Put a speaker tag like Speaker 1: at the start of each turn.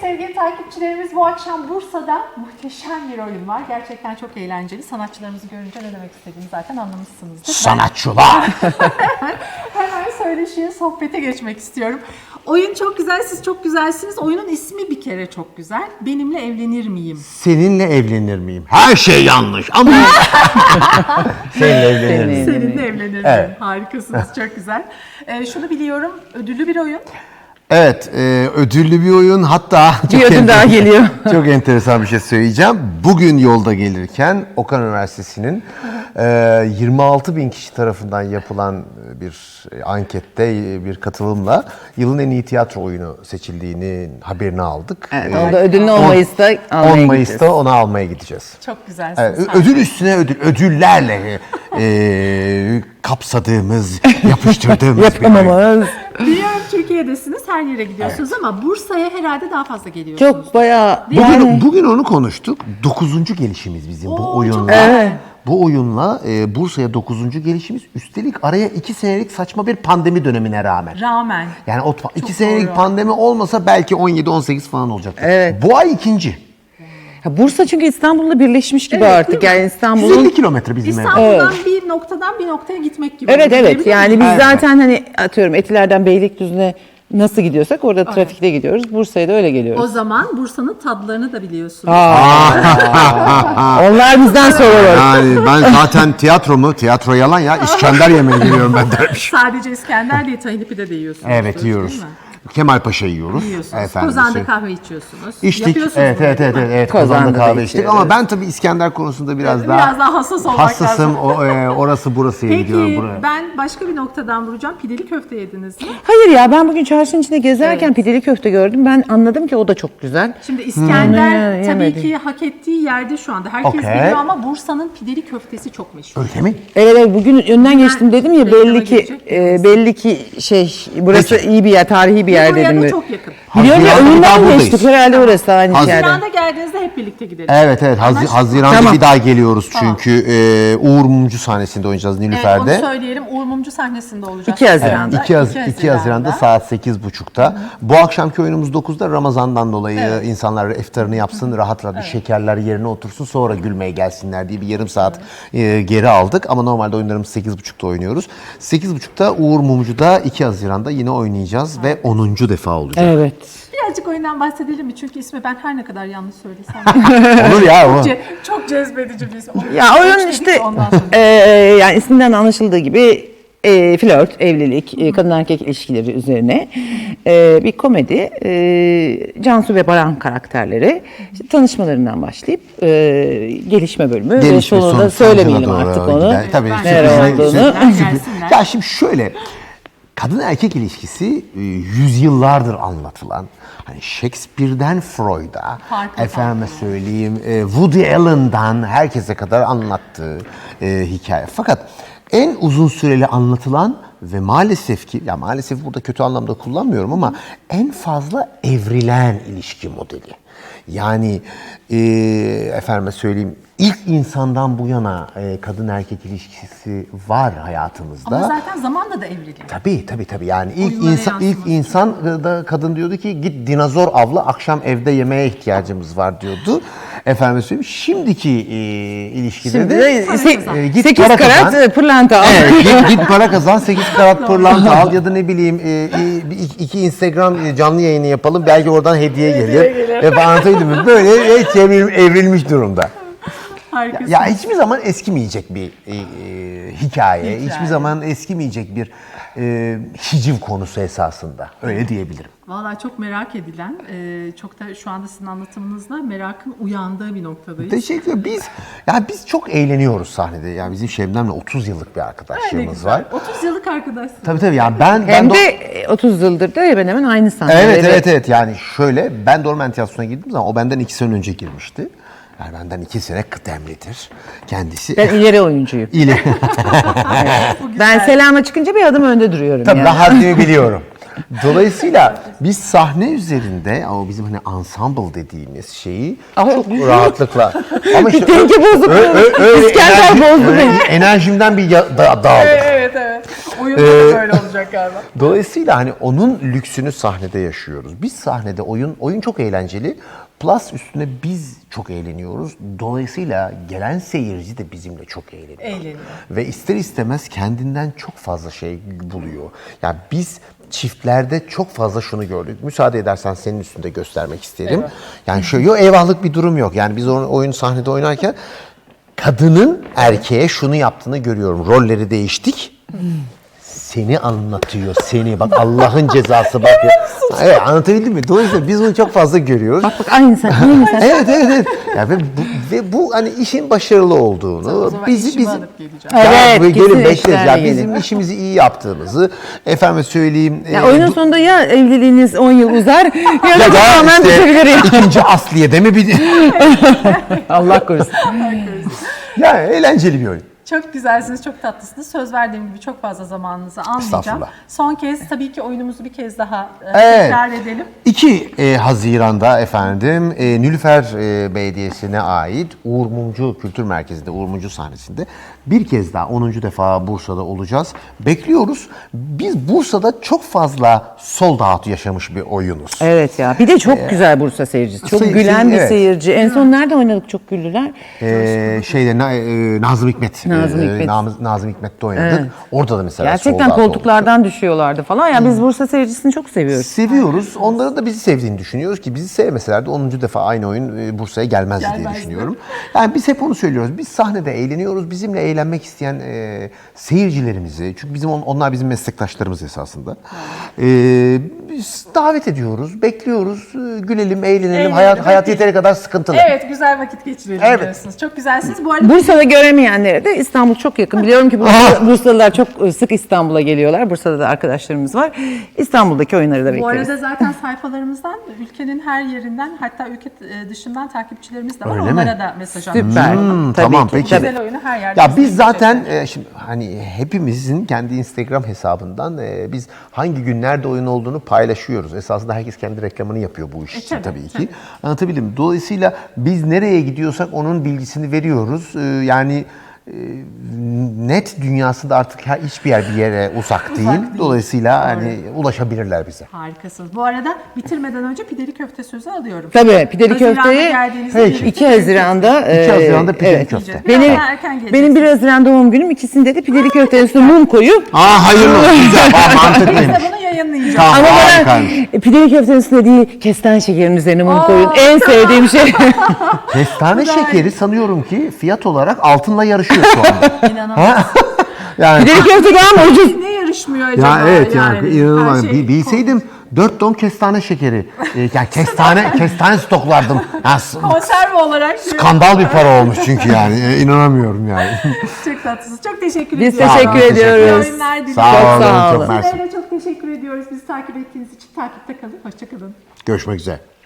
Speaker 1: sevgili takipçilerimiz, bu akşam Bursa'da muhteşem bir oyun var. Gerçekten çok eğlenceli. Sanatçılarımızı görünce ne demek istediğimi zaten anlamışsınızdır.
Speaker 2: Sanatçılar!
Speaker 1: Hemen söyleşiye, sohbete geçmek istiyorum. Oyun çok güzel, siz çok güzelsiniz. Oyunun ismi bir kere çok güzel. Benimle evlenir miyim?
Speaker 2: Seninle evlenir miyim? Her şey yanlış ama seninle evlenir miyim?
Speaker 1: Seninle evlenir miyim?
Speaker 2: Evet.
Speaker 1: Harikasınız, çok güzel. Şunu biliyorum, ödüllü bir oyun.
Speaker 2: Evet, ödüllü bir oyun. Hatta
Speaker 3: Bir ödül daha geliyor.
Speaker 2: çok enteresan bir şey söyleyeceğim. Bugün yolda gelirken Okan Üniversitesi'nin 26 bin kişi tarafından yapılan bir ankette bir katılımla yılın en iyi tiyatro oyunu seçildiğini haberini aldık.
Speaker 3: Evet, onda ödülünü 10 Mayıs'ta almaya
Speaker 2: 10
Speaker 3: gideceğiz.
Speaker 2: Mayıs'ta onu almaya gideceğiz.
Speaker 1: Çok güzelsiniz.
Speaker 2: Evet, ödül üstüne ödül, ödüllerle kapsadığımız, yapıştırdığımız bir oyun.
Speaker 3: Yapamamız.
Speaker 1: Biliyorum Türkiye'desiniz, her yere gidiyorsunuz ama Bursa'ya herhalde daha fazla geliyorsunuz.
Speaker 3: Çok bayağı
Speaker 2: Bugün onu konuştuk. 9. gelişimiz bizim
Speaker 1: Oo,
Speaker 2: bu
Speaker 1: çok
Speaker 2: oyunla.
Speaker 1: güzel.
Speaker 2: Bu oyunla Bursa'ya 9. gelişimiz. Üstelik araya 2 senelik saçma bir pandemi dönemine rağmen. Yani o 2 senelik
Speaker 1: doğru.
Speaker 2: pandemi olmasa belki 17-18 falan olacaktı.
Speaker 3: Evet.
Speaker 2: Bu ay ikinci.
Speaker 3: Ya Bursa çünkü İstanbul'la birleşmiş gibi
Speaker 1: Evet,
Speaker 3: artık.
Speaker 1: değil mi?
Speaker 3: Yani İstanbul'un
Speaker 2: 150 kilometre bizim evden.
Speaker 1: İstanbul'dan bir noktadan bir noktaya gitmek gibi.
Speaker 3: Evet
Speaker 1: Değil
Speaker 3: evet.
Speaker 1: mi?
Speaker 3: Yani biz
Speaker 2: Evet.
Speaker 3: zaten hani atıyorum Etiler'den Beylikdüzü'ne nasıl gidiyorsak orada trafikte gidiyoruz. Bursa'ya da öyle geliyoruz.
Speaker 1: O zaman Bursa'nın tadlarını da biliyorsunuz.
Speaker 3: Onlar bizden sorulur.
Speaker 2: Yani ben zaten tiyatro yalan ya. İskender yemeğe geliyorum ben dermiş.
Speaker 1: Sadece İskender değil, tahinli pide de yiyorsunuz.
Speaker 2: Evet
Speaker 1: değil
Speaker 2: yiyoruz.
Speaker 1: mi?
Speaker 2: Kemalpaşa yiyoruz.
Speaker 1: Yiyorsunuz.
Speaker 2: Efendim,
Speaker 1: Kozan'da kahve içiyorsunuz.
Speaker 2: İçtik.
Speaker 1: Yapıyorsunuz
Speaker 2: Evet,
Speaker 1: bunu,
Speaker 2: evet,
Speaker 1: değil
Speaker 2: evet,
Speaker 1: mi?
Speaker 2: evet.
Speaker 3: Kozan'da
Speaker 2: Kozan'da
Speaker 3: da
Speaker 2: kahve içtik
Speaker 3: içiyoruz.
Speaker 2: ama ben tabii İskender konusunda biraz daha
Speaker 1: hassas olmak
Speaker 2: hassasım.
Speaker 1: lazım.
Speaker 2: Orası burasıya gidiyorum
Speaker 1: Peki
Speaker 2: buraya.
Speaker 1: ben başka bir noktadan vuracağım. Pideli köfte yediniz mi?
Speaker 3: Hayır ya ben bugün çarşının içinde gezerken pideli köfte gördüm. Ben anladım ki o da çok güzel.
Speaker 1: Şimdi İskender tabii
Speaker 3: yemedim.
Speaker 1: ki hak ettiği yerde şu anda. Herkes
Speaker 2: Okey.
Speaker 1: biliyor ama Bursa'nın pideli köftesi çok meşhur.
Speaker 2: Öyle mi?
Speaker 3: Evet, evet bugün önünden geçtim dedim ya
Speaker 1: reklama
Speaker 3: belli ki
Speaker 1: girecek
Speaker 3: belli ki burası iyi bir yer, tarihi bir yer
Speaker 1: Buraya
Speaker 3: dedim.
Speaker 1: da çok yakın.
Speaker 3: Biliyorum ya
Speaker 2: Haziran'da bir daha
Speaker 3: önünden
Speaker 2: buradayız.
Speaker 3: geçtik herhalde orası aynı yerde.
Speaker 1: Haziran'da geldiğinizde hep birlikte gidelim.
Speaker 2: Evet evet
Speaker 1: Anlaştık mı?
Speaker 2: Haziran'da
Speaker 3: Tamam.
Speaker 2: bir daha geliyoruz
Speaker 1: Tamam.
Speaker 2: çünkü Uğur Mumcu sahnesinde oynayacağız
Speaker 1: Evet, onu
Speaker 2: Nilüfer'de.
Speaker 1: söyleyelim. Uğur Mumcu sahnesinde olacak.
Speaker 3: 2 Haziran'da.
Speaker 2: 2 Haziran'da saat 8.30'da. Bu akşamki oyunumuz 9'da. Ramazan'dan dolayı insanlar iftarını yapsın, rahat rahat bir şekerler yerine otursun, sonra gülmeye gelsinler diye bir yarım saat geri aldık. Ama normalde oyunlarımız 8.30'da oynuyoruz. 8.30'da Uğur Mumcu'da 2 Haziran'da yine oynayacağız ve 10. defa olacak.
Speaker 3: Evet.
Speaker 1: Birazcık oyundan bahsedelim mi? Çünkü ismi ben her ne kadar yanlış söylesem.
Speaker 2: Olur ya o.
Speaker 1: Çok cezbedici bir isim.
Speaker 3: Ya oyun
Speaker 1: Üç dedik,
Speaker 3: işte
Speaker 1: ondan sonra.
Speaker 3: yani isminden anlaşıldığı gibi flört, evlilik, kadın erkek ilişkileri üzerine bir komedi. Cansu ve Baran karakterleri işte tanışmalarından başlayıp gelişme bölümü ve sonunda söylemeyelim
Speaker 2: sonucuna
Speaker 3: artık
Speaker 2: doğru
Speaker 3: onu.
Speaker 2: gider. Tabii
Speaker 3: Neler
Speaker 2: sürpriz-
Speaker 3: olduğunu.
Speaker 1: Gelsinler.
Speaker 2: Ya şimdi şöyle, kadın erkek ilişkisi yüzyıllardır anlatılan, hani Shakespeare'den Freud'a,
Speaker 1: Farklı
Speaker 2: efendime söyleyeyim Woody Allen'dan herkese kadar anlattığı hikaye. Fakat en uzun süreli anlatılan ve maalesef ki, ya maalesef burada kötü anlamda kullanmıyorum ama en fazla evrilen ilişki modeli. Yani efendime söyleyeyim ilk insandan bu yana kadın erkek ilişkisi var hayatımızda.
Speaker 1: Ama zaten zamanla da evriliyor.
Speaker 2: Tabii yani
Speaker 1: Oyunlara
Speaker 2: ilk
Speaker 1: yansıması.
Speaker 2: insan da kadın diyordu ki git dinozor avla, akşam evde yemeğe ihtiyacımız var diyordu. Efendim söyleyeyim şimdiki ilişkide
Speaker 3: Şimdi
Speaker 2: de git
Speaker 3: 8
Speaker 2: para kazan.
Speaker 3: karat pırlanta al.
Speaker 2: Evet, git para kazan, 8 karat pırlanta al ya da ne bileyim iki Instagram canlı yayını yapalım, belki oradan hediye gelir. Ve anlatabildim mi? Böyle evrilmiş durumda.
Speaker 1: Harikasın.
Speaker 2: Ya hiçbir zaman eskimeyecek bir hikaye, hiçbir zaman eskimeyecek bir hiciv konusu esasında. Öyle diyebilirim.
Speaker 1: Vallahi çok merak edilen, çok da şu anda sizin anlatımınızla merakın uyandığı bir noktadayız.
Speaker 2: Teşekkür ederim. Biz çok eğleniyoruz sahnede. Yani bizim Şebnem'le 30 yıllık bir
Speaker 1: Ne
Speaker 2: arkadaşlığımız
Speaker 1: güzel.
Speaker 2: var.
Speaker 1: 30 yıllık arkadaşsınız.
Speaker 2: Tabii yani ben
Speaker 3: Hem de 30 yıldır da hemen hemen aynı sahneleri.
Speaker 2: Evet yani şöyle, ben Dormen Tiyatrosu'na girdiğim zaman o benden 2 sene önce girmişti. Yani benden 2 sene kıdemlidir kendisi.
Speaker 3: Ben ileri oyuncuyum. Ben selama çıkınca bir adım önde duruyorum.
Speaker 2: Tabii
Speaker 3: yani.
Speaker 2: ben haddimi biliyorum. Dolayısıyla biz sahne üzerinde, ama bizim hani ensemble dediğimiz şeyi çok rahatlıkla. Ama işte
Speaker 3: Denge bozukluğu. İskender bozdu beni.
Speaker 2: enerjimden bir dağıldık.
Speaker 1: Evet. Evet. Oyunda da böyle olacak galiba.
Speaker 2: Dolayısıyla hani onun lüksünü sahnede yaşıyoruz. Biz sahnede oyun çok eğlenceli. Plus üstüne biz çok eğleniyoruz. Dolayısıyla gelen seyirci de bizimle çok eğleniyor.
Speaker 1: Eğleniyor.
Speaker 2: Ve ister istemez kendinden çok fazla şey buluyor. Yani biz çiftlerde çok fazla şunu gördük. Müsaade edersen senin üstünde göstermek isterim.
Speaker 1: Evet.
Speaker 2: Yani şöyle yok, eyvahlık bir durum yok. Yani biz oyun sahnede oynarken kadının erkeğe şunu yaptığını görüyorum. Rolleri değiştik. Seni anlatıyor, seni. Bak Allah'ın cezası bak ya. Evet, anlatabildim mi? Dolayısıyla biz bunu çok fazla görüyoruz.
Speaker 3: Bak aynı sen. Aynı sen.
Speaker 2: Evet. Ya ve bu hani işin başarılı olduğunu,
Speaker 1: O zaman işimi alıp geleceğim.
Speaker 3: Evet,
Speaker 2: böyle
Speaker 3: kesin
Speaker 2: gelin bekle.
Speaker 3: eşlerle
Speaker 2: Ya
Speaker 3: gelin.
Speaker 2: bizim işimizi iyi yaptığımızı, efendim söyleyeyim.
Speaker 3: Ya oyunun sonunda ya evliliğiniz 10 yıl uzar ya da
Speaker 2: ya da
Speaker 3: tamamen düşebilir ya.
Speaker 2: ikinci Asliye'de mi bir
Speaker 3: Allah korusun.
Speaker 2: ya eğlenceli bir oyun.
Speaker 1: Çok güzelsiniz, çok tatlısınız. Söz verdiğim gibi çok fazla zamanınızı almayacağım.
Speaker 2: Estağfurullah.
Speaker 1: Son kez tabii ki oyunumuzu bir kez daha
Speaker 2: Evet.
Speaker 1: tekrar edelim.
Speaker 2: 2 Haziran'da efendim Nilüfer Belediyesi'ne ait Uğur Mumcu Kültür Merkezi'nde, Uğur Mumcu sahnesinde bir kez daha 10. defa Bursa'da olacağız. Bekliyoruz. Biz Bursa'da çok fazla sold out yaşamış bir oyunuz.
Speaker 3: Evet ya. Bir de çok güzel Bursa seyircisi. Çok
Speaker 2: Seyir-
Speaker 3: gülen bir
Speaker 2: evet.
Speaker 3: seyirci. En son nerede oynadık çok güldüler?
Speaker 2: Nazım Hikmet.
Speaker 3: Nazım Hikmet.
Speaker 2: Nazım Hikmet'te oynadık.
Speaker 3: Evet.
Speaker 2: Orada da mesela
Speaker 3: Gerçekten
Speaker 2: sold out oldu.
Speaker 3: koltuklardan düşüyorlardı falan. Ya biz Bursa seyircisini çok seviyoruz.
Speaker 2: Seviyoruz. Onların da bizi sevdiğini düşünüyoruz ki bizi sevmeseler de 10. defa aynı oyun Bursa'ya gelmezdi diye
Speaker 1: Gelmezdi.
Speaker 2: düşünüyorum. Yani biz hep onu söylüyoruz. Biz sahnede eğleniyoruz. Bizimle eğlenmek isteyen seyircilerimizi, çünkü onlar bizim meslektaşlarımız esasında. Biz davet ediyoruz, bekliyoruz. Gülelim, eğlenelim.
Speaker 1: Eğlenelim,
Speaker 2: Hayat
Speaker 1: hadi.
Speaker 2: yeteri kadar sıkıntılı.
Speaker 1: Evet, güzel vakit geçirelim
Speaker 2: Evet.
Speaker 1: diyorsunuz. Çok güzelsiniz. Bu arada
Speaker 3: Bursa'da göremeyenlere de İstanbul çok yakın. Biliyorum ki Bursalılar çok sık İstanbul'a geliyorlar. Bursa'da da arkadaşlarımız var. İstanbul'daki oyunları da
Speaker 1: bu
Speaker 3: bekleriz.
Speaker 1: arada zaten sayfalarımızdan, ülkenin her yerinden, hatta ülke dışından takipçilerimiz de var.
Speaker 2: Öyle mi?
Speaker 1: Onlara da mesaj atıyoruz.
Speaker 3: Süper. Tabii
Speaker 2: tamam,
Speaker 3: ki.
Speaker 2: peki.
Speaker 3: Tabii.
Speaker 1: Güzel oyunu her yerde.
Speaker 2: Ya biz
Speaker 1: izleyebilecekler.
Speaker 2: zaten şimdi hani hepimizin kendi Instagram hesabından biz hangi günlerde oyun olduğunu paylaşıyoruz. Esasında herkes kendi reklamını yapıyor bu iş için
Speaker 1: tabii,
Speaker 2: tabii ki. Anlatabildim mi? Dolayısıyla biz nereye gidiyorsak onun bilgisini veriyoruz. Yani net dünyasında artık hiçbir yer bir yere uzak değil.
Speaker 1: değil.
Speaker 2: Dolayısıyla
Speaker 1: Doğru.
Speaker 2: hani ulaşabilirler bize.
Speaker 1: Harikasınız. Bu arada bitirmeden önce pideli köfte sözü alıyorum.
Speaker 3: Tabii pideli
Speaker 1: Haziran'da
Speaker 3: köfteyi
Speaker 1: geldiğinizde
Speaker 2: Peki.
Speaker 1: birlikte
Speaker 3: 2 Haziran'da
Speaker 2: 2 Haziran'da pideli
Speaker 3: evet.
Speaker 2: köfte.
Speaker 1: Biraz
Speaker 3: Benim,
Speaker 1: daha erken geleceksiniz.
Speaker 3: benim 1 Haziran doğum günüm. İkisinde de pideli köftenin üstüne mum koyup
Speaker 2: Hayırlı olsun. Güzel.
Speaker 1: Biz
Speaker 2: mantıklıymış.
Speaker 1: de bunu yayınlayacağız.
Speaker 2: Tamam,
Speaker 3: ama
Speaker 2: harikaymış.
Speaker 3: bana pideli köftenin üstüne değil kestane şekerinin üzerine mum koyun. En sevdiğim şey.
Speaker 2: Kestane şekeri sanıyorum ki fiyat olarak altınla yarışıyor şu anda.
Speaker 1: İnanamıyorum.
Speaker 2: Yani
Speaker 3: Pideli köfte daha mı ucuz?
Speaker 1: Ne yarışmıyor acaba?
Speaker 2: ya evet yani inanılmaz.
Speaker 1: her şey-
Speaker 2: Bilseydim 4 ton kestane şekeri. Yani kestane stoklardım. Yani
Speaker 1: Konserve olarak.
Speaker 2: skandal bir para olmuş çünkü yani. İnanamıyorum yani.
Speaker 1: Çok tatlısınız. Çok teşekkür
Speaker 3: Biz
Speaker 1: ediyoruz.
Speaker 3: teşekkür
Speaker 2: Teşekkür
Speaker 3: ediyoruz.
Speaker 2: ederiz.
Speaker 1: Oyunlar diliyorum.
Speaker 2: Sağ olun.
Speaker 3: sağ olun.
Speaker 2: Çok mersi.
Speaker 1: Sizlere de çok teşekkür ediyoruz. Bizi takip ettiğiniz için takipte kalın. Hoşçakalın.
Speaker 2: Görüşmek üzere.